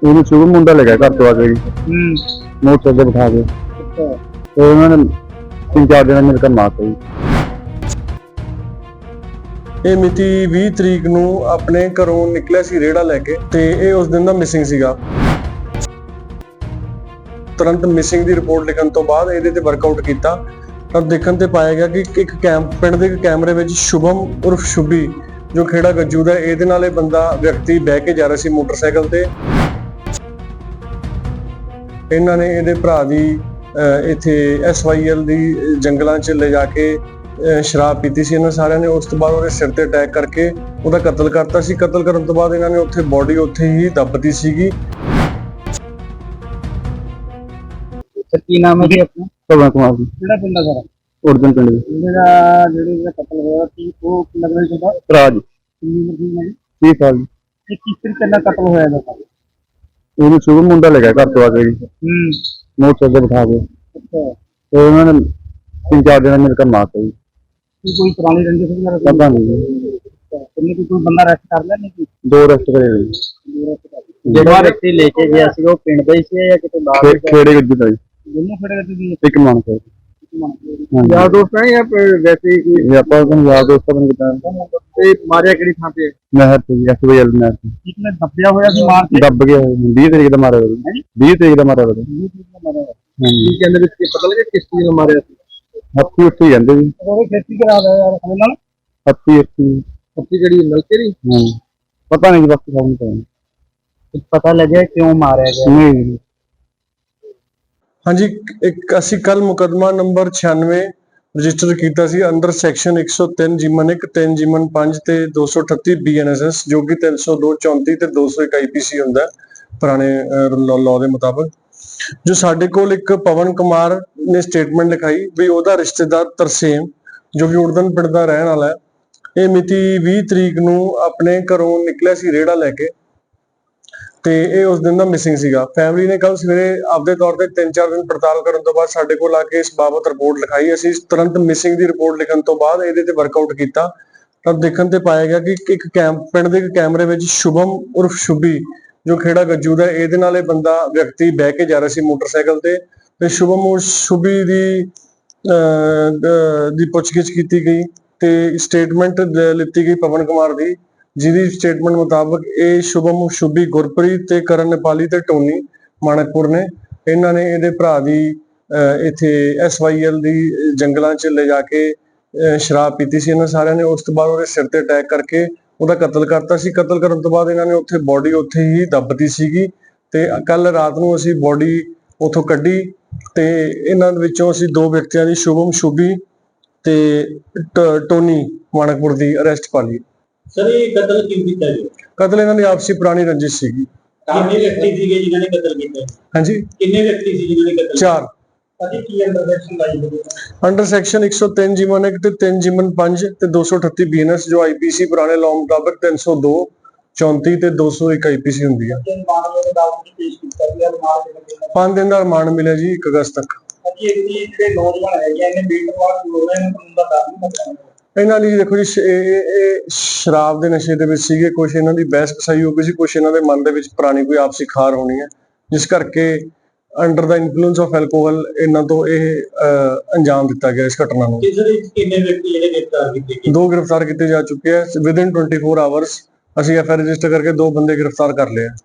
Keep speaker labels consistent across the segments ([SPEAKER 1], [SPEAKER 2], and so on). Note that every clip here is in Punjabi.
[SPEAKER 1] ਉਹਨੂੰ ਸ਼ੁਭ ਮੁੰਡਾ ਲੈ ਗਿਆ ਘਰ ਤੋਂ ਆ ਕੇ ਜੀ ਮੋਟਰਸਾਈਕਲ ਤੇ ਬਿਠਾ ਕੇ ਤੇ ਉਹਨਾਂ ਨੇ 3-4 ਦਿਨ ਮੇਰੇ ਘਰ ਮਾਰਤਾ ਜੀ।
[SPEAKER 2] ਇਹ ਮਿਤੀ 20 ਤਰੀਕ ਨੂੰ ਆਪਣੇ ਘਰੋਂ ਨਿਕਲਿਆ ਸੀ ਰੇੜਾ ਲੈ ਕੇ ਤੇ ਇਹ ਉਸ ਦਿਨ ਦਾ ਮਿਸਿੰਗ ਸੀਗਾ। ਤੁਰੰਤ ਮਿਸਿੰਗ ਦੀ ਰਿਪੋਰਟ ਲਿਖਣ ਤੋਂ ਬਾਅਦ ਇਹਦੇ ਤੇ ਵਰਕਆਊਟ ਕੀਤਾ ਤਾਂ ਦੇਖਣ ਤੇ ਪਾਇਆ ਗਿਆ ਕਿ ਇੱਕ ਪਿੰਡ ਦੇ ਕੈਮਰੇ ਵਿੱਚ ਸ਼ੁਭਮ ਉਰਫ ਸ਼ੁਭੀ ਜੋ ਖੇੜਾ ਗੱਜੂ ਦਾ ਇਹਦੇ ਨਾਲ ਇਹ ਬੰਦਾ ਵਿਅਕਤੀ ਬਹਿ ਕੇ ਜਾ ਰਿਹਾ ਸੀ ਮੋਟਰਸਾਈਕਲ ਤੇ। ਇਹਨਾਂ ਨੇ ਇਹਦੇ ਭਰਾ ਦੀ ਇੱਥੇ SYL ਦੀ ਜੰਗਲਾਂ 'ਚ ਲੈ ਜਾ ਕੇ ਸ਼ਰਾਬ ਪੀਤੀ ਸੀ ਇਹਨਾਂ ਸਾਰਿਆਂ ਨੇ। ਉਸ ਤੋਂ ਬਾਅਦ ਉਹਦੇ ਸਿਰ ਤੇ ਅਟੈਕ ਕਰਕੇ ਉਹਦਾ ਕਤਲ ਕਰਤਾ ਸੀ। ਕਤਲ ਕਰਨ ਤੋਂ ਬਾਅਦ ਇਹਨਾਂ ਨੇ ਉੱਥੇ ਬੋਡੀ ਉੱਥੇ ਹੀ ਦੱਬਤੀ ਸੀਗੀ।
[SPEAKER 3] ਕੀ ਨਾਮ ਹੈ ਜੀ ਆਪਣਾ?
[SPEAKER 1] ਭਗਵਾਨ ਕੁਮਾਰ ਜੀ।
[SPEAKER 3] ਕਿਹੜਾ ਪਿੰਡ ਹੈ ਸਾਰਾ?
[SPEAKER 1] ਉਰਦਨ ਪਿੰਡ ਦੇ
[SPEAKER 3] ਜਿਹੜਾ ਕਤਲ ਹੋਇਆ ਸੀ ਉਹ ਕਿੰਨਾ ਕੁ ਵਜੇ ਦਾ?
[SPEAKER 1] ਰਾਜ
[SPEAKER 3] ਕਿੰਨੀ ਉਮਰ ਦੀ ਹੈ?
[SPEAKER 1] 30 ਸਾਲ ਜੀ।
[SPEAKER 3] ਇਹ ਕਿਸ ਤਰੀਕੇ ਨਾਲ ਕਤਲ ਹੋਇਆ ਇਹਦਾ?
[SPEAKER 1] ਉਹਨੂੰ ਸ਼ੁਭ ਮੁੰਡਾ ਲੈ ਗਿਆ ਘਰ ਤੋਂ ਆ ਕੇ ਜੀ ਮੋਟਰਸਾਈਕਲ ਤੇ ਬਿਠਾ ਕੇ ਤੇ ਉਹਨਾਂ ਨੇ 3-4 ਦਿਨ ਮੇਰੇ ਘਰ ਮਾਰਤਾ ਜੀ।
[SPEAKER 3] ਕੋਈ ਪੁਰਾਣੀ ਰੰਜਿਸ਼ ਵਗੈਰਾ?
[SPEAKER 1] ਪਤਾ ਨਹੀਂ ਜੀ।
[SPEAKER 3] ਕਿੰਨੇ ਕੋਈ ਬੰਦਾ ਅਰੈਸਟ ਕਰ ਲਿਆ? ਨਹੀਂ,
[SPEAKER 1] 2 ਅਰੈਸਟ ਕਰੇ ਹੋਏ ਜੀ।
[SPEAKER 3] ਜਿਹੜਾ ਵਿਅਕਤੀ ਲੈ ਕੇ ਗਿਆ ਸੀ ਉਹ ਪਿੰਡ ਦਾ ਹੀ ਸੀ ਜਾਂ ਕਿਤੇ ਬਾਹਰ?
[SPEAKER 1] ਖੇੜੇ ਗੱਜੂ ਦਾ ਜੀ।
[SPEAKER 3] ਦੋਨੋਂ ਖੇੜੇ ਗੱਜੂ ਦੀ?
[SPEAKER 1] ਇੱਕ ਮਾਨਸਾ
[SPEAKER 3] ਯਾਰ ਦੋਸਤ ਹੈ ਜਾਂ ਵੈਸੇ ਹੀ?
[SPEAKER 1] ਇਹ ਆਪਾਂ ਯਾਰ ਦੋਸਤਾਂ ਨੂੰ ਕਿਤਾ
[SPEAKER 3] ਤੇ ਮਾਰਿਆ ਕਿਹੜੀ ਥਾਂ ਤੇ?
[SPEAKER 1] ਨਹਿਰ ਤੇ ਜੀ, SYL ਨਹਿਰ ਤੇ।
[SPEAKER 3] ਇੱਕ ਨੇ ਦੱਬਿਆ ਹੋਇਆ ਸੀ ਮਾਰ ਕੇ?
[SPEAKER 1] ਦੱਬ ਗਿਆ 20 ਤਰੀਕ ਦਾ ਮਾਰਿਆ ਹੋਇਆ। 20 ਤਰੀਕ ਦਾ ਮਾਰਿਆ ਹੋਇਆ।
[SPEAKER 3] ਕੀ ਕਹਿੰਦੇ ਵੀ ਪਤਾ ਲੱਗਿਆ ਕਿਸ ਚੀਜ਼ ਨਾਲ ਮਾਰਿਆ ਸੀ?
[SPEAKER 1] ਹੱਥੀ ਉੱਥੇ ਜਾਂਦੇ ਜੀ।
[SPEAKER 3] ਉਹ ਖੇਤੀ ਕਰਾ ਰਿਹਾ ਯਾਰ ਸਾਡੇ ਨਾਲ।
[SPEAKER 1] ਹੱਥੀ
[SPEAKER 3] ਜਿਹੜੀ ਨਲਕੇ ਦੀ?
[SPEAKER 1] ਪਤਾ ਨਹੀਂ ਬਾਕੀ ਸਭ ਨੂੰ
[SPEAKER 3] ਪਤਾ ਲੱਗਿਆ ਕਿਉਂ ਮਾਰਿਆ ਗਿਆ?
[SPEAKER 1] ਨਹੀਂ।
[SPEAKER 2] ਹਾਂਜੀ, ਇੱਕ ਅਸੀਂ ਕੱਲ ਮੁਕੱਦਮਾ ਨੰਬਰ 96 ਰਜਿਸਟਰ ਕੀਤਾ ਸੀ ਅੰਡਰ ਸੈਕਸ਼ਨ 103 ਜਿਮਨ 1 3 ਜਿਮਨ 5 ਤੇ 238 BNSS ਜੋ ਕਿ 302 34 ਤੇ 201 IPC ਹੁੰਦਾ ਪੁਰਾਣੇ ਲਾਅ ਦੇ ਮੁਤਾਬਕ। ਜੋ ਸਾਡੇ ਕੋਲ ਇੱਕ ਪਵਨ ਕੁਮਾਰ ਨੇ ਸਟੇਟਮੈਂਟ ਲਿਖਾਈ ਵੀ ਉਹਦਾ ਰਿਸ਼ਤੇਦਾਰ ਤਰਸੇਮ ਜੋ ਕਿ ਉਰਦਨ ਪਿੰਡ ਦਾ ਰਹਿਣ ਵਾਲਾ ਹੈ। ਇਹ ਮਿਤੀ 20 ਤਰੀਕ ਨੂੰ ਆਪਣੇ ਘਰੋਂ ਨਿਕਲਿਆ ਸੀ ਰੇੜਾ ਲੈ ਕੇ ਤੇ ਇਹ ਉਸ ਦਿਨ ਦਾ ਮਿਸਿੰਗ ਸੀਗਾ। ਫੈਮਿਲੀ ਨੇ ਕੱਲ ਸਵੇਰੇ ਆਪਦੇ ਤੌਰ ਤੇ 3-4 ਦਿਨ ਪੜਤਾਲ ਕਰਨ ਤੋਂ ਬਾਅਦ ਸਾਡੇ ਕੋਲ ਆ ਕੇ ਇਸ ਬਾਬਤ ਰਿਪੋਰਟ ਲਿਖਾਈ। ਅਸੀਂ ਤੁਰੰਤ ਮਿਸਿੰਗ ਦੀ ਰਿਪੋਰਟ ਲਿਖਣ ਤੋਂ ਬਾਅਦ ਇਹਦੇ ਤੇ ਵਰਕਆਊਟ ਕੀਤਾ ਤਾਂ ਦੇਖਣ ਤੇ ਪਾਇਆ ਗਿਆ ਕਿ ਇੱਕ ਪਿੰਡ ਦੇ ਕੈਮਰੇ ਵਿੱਚ ਸ਼ੁਭਮ ਉਰਫ ਸ਼ੁਭੀ ਜੋ ਖੇੜਾ ਗੱਜੂ ਦਾ ਇਹਦੇ ਨਾਲ ਇਹ ਬੰਦਾ ਵਿਅਕਤੀ ਬਹਿ ਕੇ ਜਾ ਰਿਹਾ ਸੀ ਮੋਟਰਸਾਈਕਲ ਤੇ ਸ਼ੁਭਮ ਉਰ ਸ਼ੁਭੀ ਦੀ ਪੁੱਛਗਿੱਛ ਕੀਤੀ ਗਈ ਤੇ ਸਟੇਟਮੈਂਟ ਲਿੱਤੀ ਗਈ ਪਵਨ ਕੁਮਾਰ ਦੀ, ਜਿਹਦੀ ਸਟੇਟਮੈਂਟ ਮੁਤਾਬਕ ਇਹ ਸ਼ੁਭਮ ਸ਼ੁਭੀ ਗੁਰਪ੍ਰੀਤ ਤੇ ਕਰਨ ਨੇਪਾਲੀ ਤੇ ਟੋਨੀ ਮਾਨਕਪੁਰ ਨੇ। ਇਹਨਾਂ ਨੇ ਇਹਦੇ ਭਰਾ ਦੀ ਇੱਥੇ SYL ਦੀ ਜੰਗਲਾਂ 'ਚ ਲੈ ਜਾ ਕੇ ਸ਼ਰਾਬ ਪੀਤੀ ਸੀ ਇਹਨਾਂ ਸਾਰਿਆਂ ਨੇ। ਉਸ ਤੋਂ ਬਾਅਦ ਉਹਦੇ ਸਿਰ ਤੇ ਅਟੈਕ ਕਰਕੇ ਉਹਦਾ ਕਤਲ ਕਰਤਾ ਸੀ। ਕਤਲ ਕਰਨ ਤੋਂ ਬਾਅਦ ਇਹਨਾਂ ਨੇ ਉੱਥੇ ਬੋਡੀ ਉੱਥੇ ਹੀ ਦੱਬਤੀ ਸੀਗੀ ਤੇ ਕੱਲ ਰਾਤ ਨੂੰ ਅਸੀਂ ਬੋਡੀ ਉੱਥੋਂ ਕੱਢੀ ਤੇ ਇਹਨਾਂ ਵਿੱਚੋਂ ਅਸੀਂ 2 ਵਿਅਕਤੀਆਂ ਦੀ ਸ਼ੁਭਮ ਸ਼ੁਭੀ ਤੇ ਟੋਨੀ ਮਾਨਕਪੁਰ ਦੀ ਅਰੈਸਟ ਪਾ ਲਈ।
[SPEAKER 3] ਸਰ ਇਹ ਕਤਲ ਕਿਉਂ ਕੀਤਾ ਜੀ?
[SPEAKER 2] ਕਤਲ ਇਹਨਾਂ ਦੀ ਆਪਸੀ ਪੁਰਾਣੀ ਰੰਜਿਸ਼ ਸੀਗੀ।
[SPEAKER 3] ਕਿੰਨੇ ਵਿਅਕਤੀ ਸੀਗੇ ਜਿਨ੍ਹਾਂ ਨੇ ਕਤਲ ਕੀਤਾ?
[SPEAKER 2] ਹਾਂਜੀ,
[SPEAKER 3] ਕਿੰਨੇ ਵਿਅਕਤੀ ਸੀ ਜਿਨ੍ਹਾਂ ਨੇ ਕਤਲ ਕੀਤਾ?
[SPEAKER 2] 4
[SPEAKER 3] ਅਤੇ ਕੀ ਅੰਡਰ ਸੈਕਸ਼ਨ ਲਾਈ ਹੋਈ ਹੈ?
[SPEAKER 2] ਅੰਡਰ ਸੈਕਸ਼ਨ 103 ਜਿਮਨ 1 ਤੇ 3 ਜਿਮਨ 5 ਤੇ 238 BNS ਜੋ IPC ਪੁਰਾਣੇ ਲਾਅ ਮੁਤਾਬਕ 302 34 ਤੇ 201 IPC ਹੁੰਦੀ ਹੈ। 5 ਦਿਨ ਦਾ ਰਿਮਾਂਡ ਮਿਲਿਆ ਜੀ 1 ਅਗਸਤ ਤੱਕ।
[SPEAKER 3] ਜਿਹੜੇ ਨੌਜਵਾਨ ਹੈਗੇ ਇਹਨੇ ਬੀਟਵਾਰ ਕਾਨੂੰਨ ਦਾ ਦਰ ਨਹੀਂ ਪਤਾ।
[SPEAKER 2] ਇਹਨਾਂ ਲਈ ਦੇਖੋ ਜੀ ਇਹ ਸ਼ਰਾਬ ਦੇ ਨਸ਼ੇ ਦੇ ਵਿੱਚ ਸੀਗੇ। ਕੁਝ ਇਹਨਾਂ ਦੀ ਬਹਿਸ ਕਸਾਈ ਹੋ ਗਈ ਸੀ, ਕੁਝ ਇਹਨਾਂ ਦੇ ਮਨ ਦੇ ਵਿੱਚ ਪੁਰਾਣੀ ਕੋਈ ਆਪਸੀ ਖਾਰ ਹੋਣੀ ਹੈ ਜਿਸ ਕਰਕੇ ਅੰਡਰ ਦਾ ਇਨਫਲੂਐਂਸ ਆਫ ਐਲਕੋਹਲ ਇਹਨਾਂ ਤੋਂ ਇਹ ਅੰਜਾਮ ਦਿੱਤਾ ਗਿਆ ਇਸ ਘਟਨਾ ਨੂੰ।
[SPEAKER 3] ਕਿੰਨੇ ਵਿਅਕਤੀ ਜਿਹੜੇ ਗ੍ਰਿਫਤਾਰ ਕੀਤੇ ਗਏ?
[SPEAKER 2] 2 ਗ੍ਰਿਫਤਾਰ ਕੀਤੇ ਜਾ ਚੁੱਕੇ ਆ। ਵਿਦਿਨ 24 ਆਵਰਸ ਅਸੀਂ FIR ਰਜਿਸਟਰ ਕਰਕੇ 2 ਬੰਦੇ ਗ੍ਰਿਫਤਾਰ ਕਰ ਲਏ ਆ।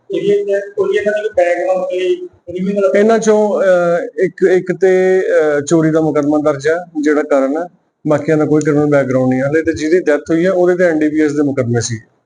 [SPEAKER 2] ਇਹਨਾਂ ਚੋਂ ਇੱਕ ਤੇ ਚੋਰੀ ਦਾ ਮੁਕੱਦਮਾ ਦਰਜ ਹੈ ਜਿਹੜਾ ਕਾਰਨ ਹੈ, ਬਾਕੀਆਂ ਦਾ ਕੋਈ ਕ੍ਰਿਮੀਨਲ ਬੈਕਗ੍ਰਾਉਂਡ ਨਹੀਂ ਹੈ ਹਲੇ ਤੇ ਜਿਹਦੀ ਡੈਥ ਹੋਈ ਹੈ ਉਹਦੇ ਤੇ NDPS ਦੇ ਮੁਕੱਦਮੇ ਸੀ।